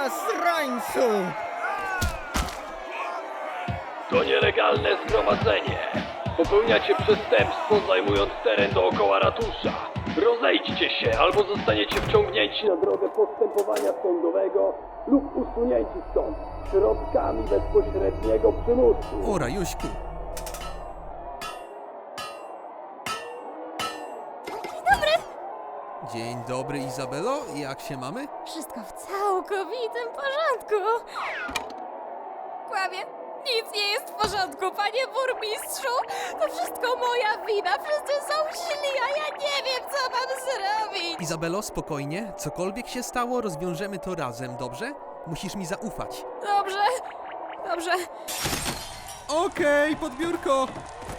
Zasrańcu! To nielegalne zgromadzenie. Popełniacie przestępstwo, zajmując teren dookoła ratusza. Rozejdźcie się, albo zostaniecie wciągnięci na drogę postępowania sądowego lub usunięci stąd środkami bezpośredniego przymusu. O, Rajuśku. Dzień dobry, Izabelo. Jak się mamy? Wszystko w całkowitym porządku. Kłamie. Nic nie jest w porządku, panie burmistrzu. To wszystko moja wina. Wszyscy są źli, a ja nie wiem, co mam zrobić. Izabelo, spokojnie. Cokolwiek się stało, rozwiążemy to razem, dobrze? Musisz mi zaufać. Dobrze. Dobrze. Okej, pod biurko.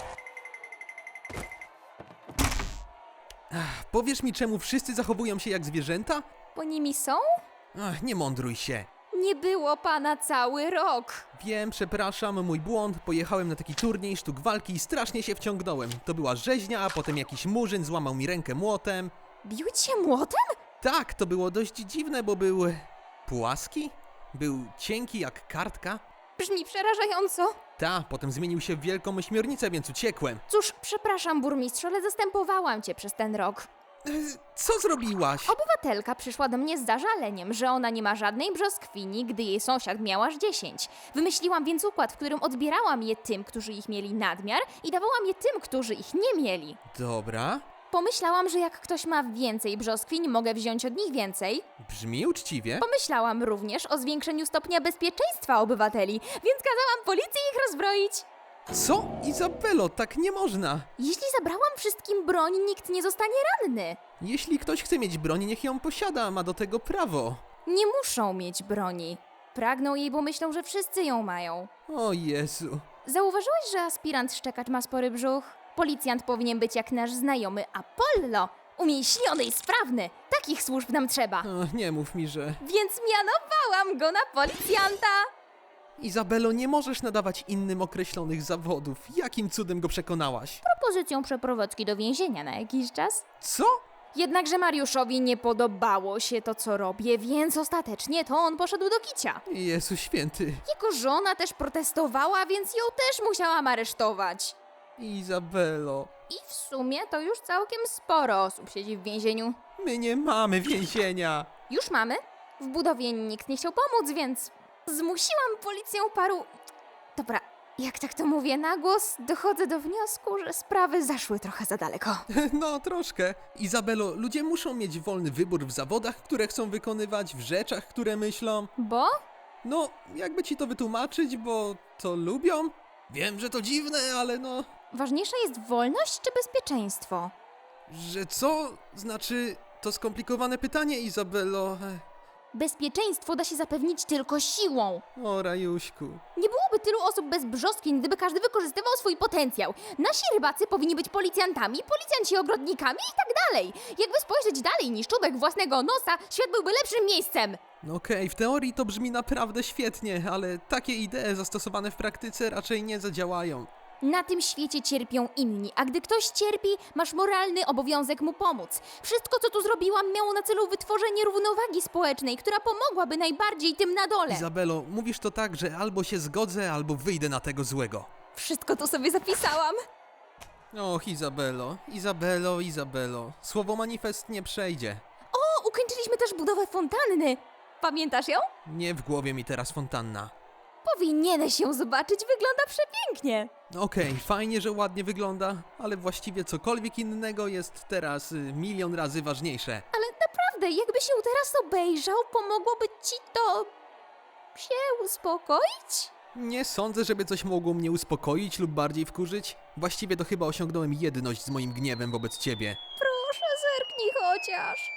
Powiesz mi, czemu wszyscy zachowują się jak zwierzęta? Bo nimi są? Nie mądruj się. Nie było pana cały rok. Wiem, przepraszam, mój błąd. Pojechałem na taki turniej sztuk walki i strasznie się wciągnąłem. To była rzeźnia, a potem jakiś murzyn złamał mi rękę młotem. Bił cię młotem? Tak, to było dość dziwne, bo był płaski, był cienki jak kartka. Brzmi przerażająco. Potem zmienił się w wielką ośmiornicę, więc uciekłem. Cóż, przepraszam, burmistrzu, ale zastępowałam cię przez ten rok. Co zrobiłaś? Obywatelka przyszła do mnie z zażaleniem, że ona nie ma żadnej brzoskwini, gdy jej sąsiad miał aż 10. Wymyśliłam więc układ, w którym odbierałam je tym, którzy ich mieli nadmiar i dawałam je tym, którzy ich nie mieli. Dobra, Pomyślałam, że jak ktoś ma więcej brzoskwiń, mogę wziąć od nich więcej. brzmi uczciwie. Pomyślałam również o zwiększeniu stopnia bezpieczeństwa obywateli, więc kazałam policji ich rozbroić. Co? Izabelo, tak nie można. Jeśli zabrałam wszystkim broń, nikt nie zostanie ranny. Jeśli ktoś chce mieć broń, niech ją posiada, ma do tego prawo. Nie muszą mieć broni. Pragną jej, bo myślą, że wszyscy ją mają. O Jezu. Zauważyłeś, że aspirant szczekacz ma spory brzuch? Policjant powinien być jak nasz znajomy Apollo. Umięśniony i sprawny. Takich służb nam trzeba. Nie mów mi, że... Więc mianowałam go na policjanta. Izabelo, nie możesz nadawać innym określonych zawodów. Jakim cudem go przekonałaś? Propozycją przeprowadzki do więzienia na jakiś czas. Co? Jednakże Mariuszowi nie podobało się to, co robię, więc ostatecznie to on poszedł do kicia. Jezu święty. Jego żona też protestowała, więc ją też musiałam aresztować. Izabelo, I w sumie to już całkiem sporo osób siedzi w więzieniu. my nie mamy więzienia. Już mamy. W budowie nikt nie chciał pomóc, więc zmusiłam policję paru... Dobra, jak tak to mówię na głos, dochodzę do wniosku, że sprawy zaszły trochę za daleko. No, troszkę. Izabelo, ludzie muszą mieć wolny wybór w zawodach, które chcą wykonywać, w rzeczach, które myślą. Bo? No, jakby ci to wytłumaczyć, bo to lubią? Wiem, że to dziwne, ale no... Ważniejsza jest wolność czy bezpieczeństwo? Że co? Znaczy, to skomplikowane pytanie, Izabelo. Bezpieczeństwo da się zapewnić tylko siłą. O, Rajuśku. Nie byłoby tylu osób bez brzoskwiń, gdyby każdy wykorzystywał swój potencjał. Nasi rybacy powinni być policjantami, policjanci ogrodnikami i tak dalej. Jakby spojrzeć dalej niż czubek własnego nosa, świat byłby lepszym miejscem. Okej, w teorii to brzmi naprawdę świetnie, ale takie idee zastosowane w praktyce raczej nie zadziałają. Na tym świecie cierpią inni, a gdy ktoś cierpi, masz moralny obowiązek mu pomóc. Wszystko, co tu zrobiłam, miało na celu wytworzenie równowagi społecznej, która pomogłaby najbardziej tym na dole. Izabelo, mówisz to tak, że albo się zgodzę, albo wyjdę na tego złego. Wszystko tu sobie zapisałam. Och, Izabelo. Słowo manifest nie przejdzie. O, ukończyliśmy też budowę fontanny. Pamiętasz ją? Nie w głowie mi teraz fontanna. Powinieneś ją zobaczyć, wygląda przepięknie. Okej, fajnie, że ładnie wygląda, ale właściwie cokolwiek innego jest teraz milion razy ważniejsze. Ale naprawdę, jakbyś ją teraz obejrzał, pomogłoby ci to... się uspokoić? Nie sądzę, żeby coś mogło mnie uspokoić lub bardziej wkurzyć. Właściwie to chyba osiągnąłem jedność z moim gniewem wobec ciebie. Proszę, zerknij chociaż.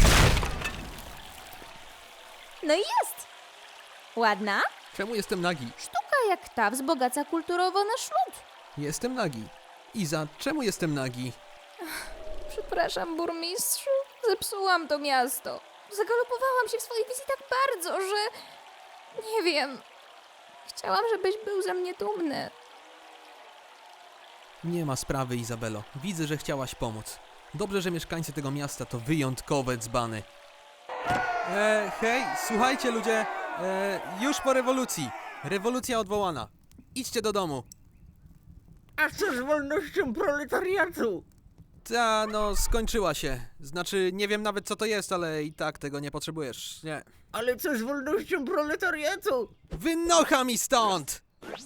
No i jest. Ładna? Czemu jestem nagi? Sztuka jak ta wzbogaca kulturowo nasz lud. Jestem nagi. Iza, czemu jestem nagi? Przepraszam, burmistrzu. Zepsułam to miasto. Zagalopowałam się w swojej wizji tak bardzo, że... nie wiem. Chciałam, żebyś był ze mnie dumny. Nie ma sprawy, Izabelo. Widzę, że chciałaś pomóc. Dobrze, że mieszkańcy tego miasta to wyjątkowe dzbany. Hej, słuchajcie ludzie! Już po rewolucji. Rewolucja odwołana. Idźcie do domu. A co z wolnością proletariatu? Ta, no, skończyła się. Znaczy, nie wiem nawet co to jest, ale i tak tego nie potrzebujesz. Nie. Ale co z wolnością proletariatu? Wynocha mi stąd!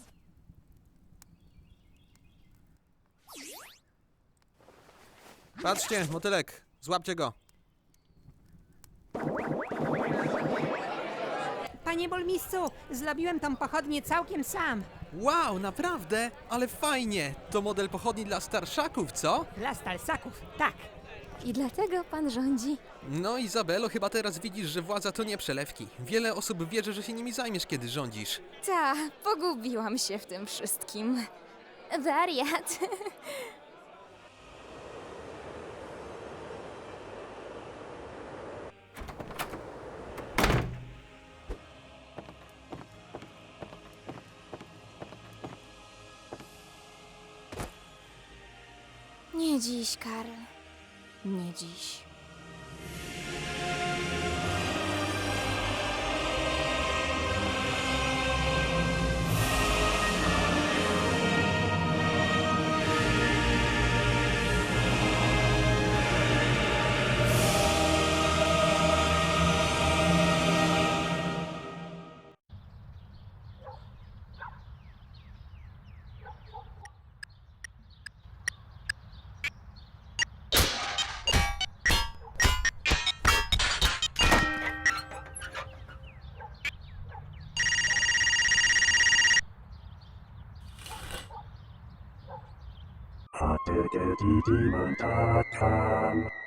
Patrzcie, motylek. Złapcie go. Panie burmistrzu, zrobiłem tą pochodnię całkiem sam. Wow, naprawdę? Ale fajnie. To model pochodni dla starszaków, co? Dla stalsaków, tak. I dlatego pan rządzi. No, Izabelo, chyba teraz widzisz, że władza to nie przelewki. Wiele osób wierzy, że się nimi zajmiesz, kiedy rządzisz. Ta, pogubiłam się w tym wszystkim. Wariat. Nie dziś, Karl. Nie dziś. Hatte der die Demon tat kam,